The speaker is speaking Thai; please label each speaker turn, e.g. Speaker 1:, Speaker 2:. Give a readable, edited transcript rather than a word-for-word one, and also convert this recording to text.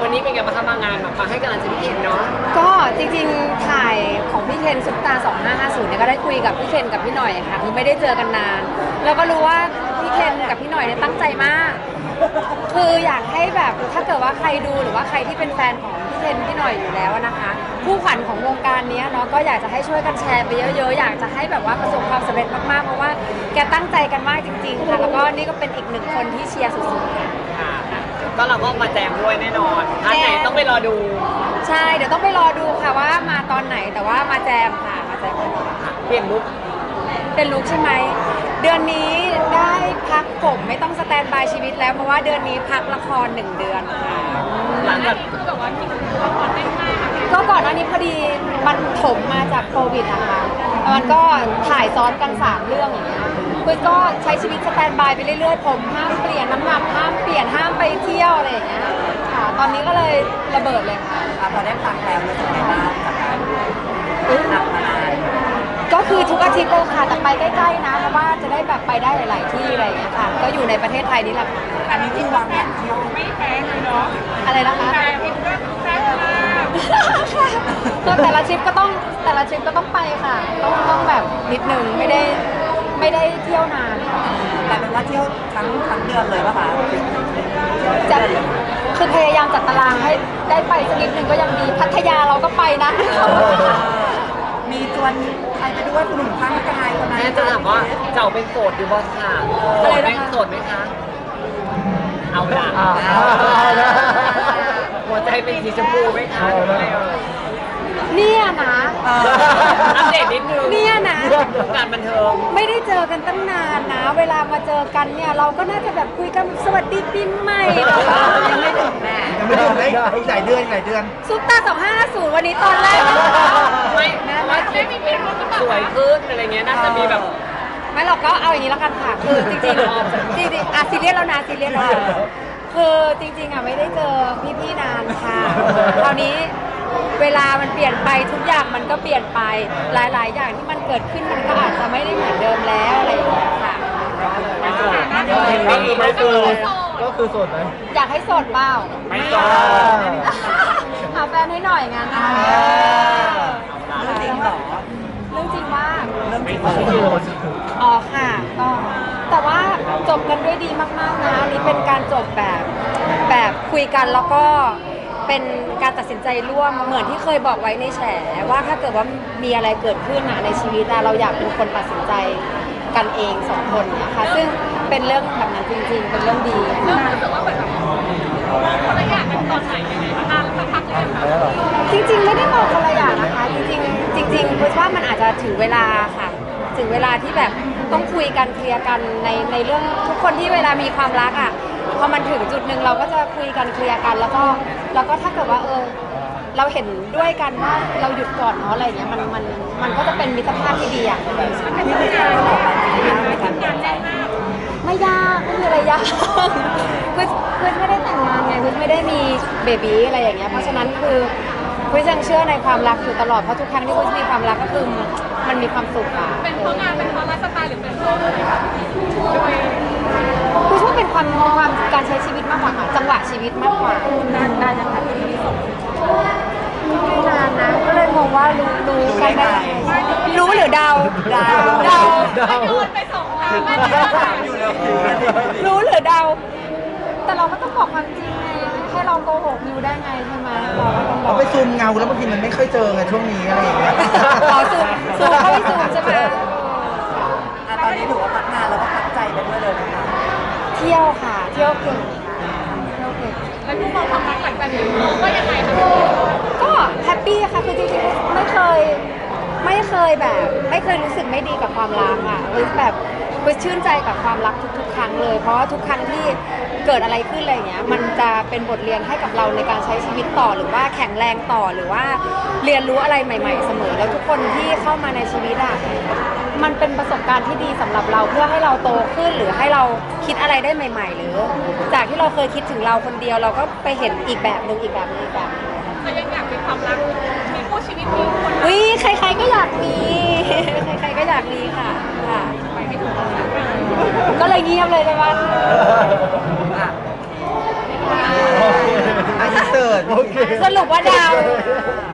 Speaker 1: วันนี้เป็นไงบ้างคะมางานมาให้กำลังใจพี่เคนเนาะ
Speaker 2: ก็จริงๆถ่ายของพี่เคนซุปตา2550เนี่ยก็ได้คุยกับพี่เคนกับพี่หน่อยค่ะคือไม่ได้เจอกันนานแล้วก็รู้ว่าพี่เคนกับพี่หน่อยเนี่ยตั้งใจมากคืออยากให้แบบถ้าเกิดว่าใครดูหรือว่าใครที่เป็นแฟนของพี่เคนพี่หน่อยอยู่แล้วนะคะผู้ขวัญของวงการนี้เนาะก็อยากจะให้ช่วยกันแชร์ไปเยอะๆอยากจะให้แบบว่าประสบความสำเร็จมากๆเพราะว่าแกตั้งใจกันมากจริงๆค่ะแล้วก็นี่ก็เป็นอีกหนึ่งคนที่เชียร์สุดๆค่ะ
Speaker 1: ก็เราก็มาแจมด้วยแน่นอนท่านไหนต้องไปรอดู
Speaker 2: ใช่เดี๋ยวต้องไปรอดูค่ะว่ามาตอนไหนแต่ว่ามาแจมค่ะมาแจม
Speaker 1: เปลี่ยนลุค
Speaker 2: เป็นลุคใช่ไหมเดือนนี้ได้พักผมไม่ต้องสแตนบายชีวิตแล้วเพราะว่าเดือนนี้พักละคร1 เดือนค่ะ
Speaker 1: หลังจาก
Speaker 2: ก็ก่อนหน้านี้พอดีมันถมมาจากโควิดนะคะมันก็ถ่ายซ้อนกัน3 เรื่องอย่างเงี้ยคือก็ใช้ชีวิตสแตนบายไปเรื่อยๆผมห้ามเปลี่ยนน้ำหนักห้ามเปลี่ยนห้ามไปเที่ยวอะไรอย่างเงี้ยค่ะตอนนี้ก็เลยระเบิดเลยค่ะ
Speaker 1: พอได้พักแล้วรู้สึกไงบ้างจากการหนักมานาน
Speaker 2: ก็คือทุกอาทิตย์เลยค่ะแต่ไปใกล้ๆนะเพราะว่าจะได้แบบไปได้หลายๆที่อะไรอย่างเงี้ยค่ะก็อยู่ในประเทศไทยนี่แหละ
Speaker 1: อันนี้ที่วางแผนเที่ยวไม่แพงเลยเนาะ
Speaker 2: อะไรนะคะแต่ละทริปก็ต้องไปค่ะต้องแบบนิดนึงไม่ได้เที่ยวนาน
Speaker 1: แต่เป็นว่าเที่ยวทั้งเดือนเลยป่ะคะ
Speaker 2: จะคือพยายามจัดตารางให้ได้ไปสักนิดนึงก็ยังดีพัทยาเราก็ไปนะ
Speaker 1: มีชวนใครไปด้วยคุณหนุ่มข้างกายคนนั้นจะถามว่าเจ้าเป็นโสดอยู่บ่ค่ะอะไรนะคะโสดไหมคะเอาละหัวใจเป็นสีชมพูไหมคะ
Speaker 2: เนี่ยนะ
Speaker 1: อัปเดตนิดนึง
Speaker 2: เนี่ยนะ
Speaker 1: การบันเทิง
Speaker 2: ไม่ได้เจอกันตั้งนานนะเวลามาเจอกันเนี่ยเราก็น่าจะแบบคุยกันสวัสดีปีใหม่
Speaker 1: ยังไม่ถึงแม่ยังไม่ถึงอีกหลายเดือน
Speaker 2: ซุปตา2550วันนี้ตอนแรก
Speaker 1: ไม่ว่าไม่มีสวยขึ้นอะไรเงี้ยน่าจะมีแบบ
Speaker 2: ไม่เราก็เอาอย่างนี้แล้วกันค่ะคือจริงๆอ่ะซีเรียสแล้วนะซีเรียสแล้วคือจริงๆอ่ะไม่ได้เจอพี่ๆนานค่ะคราวนี้เวลามันเปลี่ยนไปทุกอย่างมันก็เปลี่ยนไปหลายๆอย่างที่มันเกิดขึ้นมันก็อาจจะไม่ได้เหมือนเดิมแล้วอะไรอย่างเงี้ยค่ะ
Speaker 1: ก็คือโสดไหม
Speaker 2: อยากให้โสดเปล่า
Speaker 1: ไม่โสด
Speaker 2: หาแฟนให้หน่อยงานนะ
Speaker 1: เรื่องจริงเหรอ
Speaker 2: เรื่องจริงว่า
Speaker 1: เรื่องจริง
Speaker 2: อ๋อค่ะก็แต่ว่าจบกันด้วยดีมากๆนะนี่เป็นการจบแบบคุยกันแล้วก็เป็นการตัดสินใจร่วมเหมือนที่เคยบอกไว้ในแฉว่าถ้าเกิดว่ามีอะไรเกิดขึ้นในชีวิตเราอยากเป็นคนตัดสินใจกันเอง2 คนนะคะซึ่งเป็นเรื่องแบบนั้นจริงๆเป็นเรื่องดี
Speaker 3: เริ่มรู้สึกว่าเหมือนแบบคนละอย่างกันตอนไหนยังไงนานสักพักเลยค่ะ
Speaker 2: จริงๆไม่ได้มองคนละอย่างนะคะจริงคิดว่ามันอาจจะถึงเวลาค่ะถึงเวลาที่แบบต้องคุยกันเคลียร์กันในเรื่องทุกคนที่เวลามีความรักอ่ะพอมันถึงจุดหนึ่งเราก็จะคุยกันเคลียร์กันแล้วก็ถ้าเกิดว่าเราเห็นด้วยกันว่าเราหยุดก่อนเนาะอะไรอย่างเงี้ยมันก็จะเป็นมิตรภาพที่ดีอ่ะไม่ยากไม่มีอะไรยากคือไม่ได้แต่งงานไงคือไม่ได้มีเบบีอะไรอย่างเงี้ยเพราะฉะนั้นคือคุยยังเชื่อในความรักอยู่ตลอดเพราะทุกครั้งที่คุยมีความรักก็คือมันมีความสุขอ่ะ
Speaker 3: เป็นเพราะงานเป็นเพราะไลฟ์สไตล์หรือเป็นเพราะ
Speaker 2: คุยว่าเป็นความการใช้ชีวิตมากกว่าค่ะจังหวะชีวิตมากกว่าได้นะคะที่ส่งไม่นานนะก็เลยงงว่ารู้กันได้รู้หรือเดา
Speaker 3: โยนไป2 ทางไม่ได้
Speaker 2: รู้หรือเดาแต่เราก็ต้องบอกความจริงไงให้เราโกหกมิวได้ไงใช่ไหม
Speaker 1: เราไปซูมเงาแล้วบางทีมันไม่ค่อยเจอไงช่วงนี้อะไรอย่างเงี้ย
Speaker 2: ซูมเข้าไปซูมใช่ไหม
Speaker 1: ตอนนี้ถือว่าพักงานแล้วก็พักใจไปด้วยเลยนะคะ
Speaker 2: เที่ยวค่ะเที่ยวเก่ง
Speaker 3: แล้วผู้มองความรักหลังจากนี้ก็ยังไงคะ
Speaker 2: ก็แฮปปี้ค่ะคือจริงๆไม่เคยแบบไม่เคยรู้สึกไม่ดีกับความรักอ่ะแบบชื่นใจกับความรักทุกๆครั้งเลยเพราะว่าทุกครั้งที่เกิดอะไรขึ้นอะไรเงี้ยมันจะเป็นบทเรียนให้กับเราในการใช้ชีวิตต่อหรือว่าแข็งแรงต่อหรือว่าเรียนรู้อะไรใหม่ๆเสมอแล้วทุกคนที่เข้ามาในชีวิตอ่ะมันเป็นประสบการณ์ที่ดีสำหรับเราเพื่อให้เราโตขึ้นหรือให้เราคิดอะไรได้ใหม่ๆหรือจากที่เราเคยคิดถึงเราคนเดียวเราก็ไปเห็นอีกแบบหนึ่งแบบ
Speaker 3: แต่ยังอยากมีความรักมีคู่ชีวิตมีคน
Speaker 2: ใครๆก็อยากมีใครๆก็อยากมีค่ะ
Speaker 3: ไปให้ถูกต้อง
Speaker 2: ก็เลยเงียบเลยใช่ไหม
Speaker 1: อินเสิร์
Speaker 4: กิด
Speaker 2: สรุปว่าดาว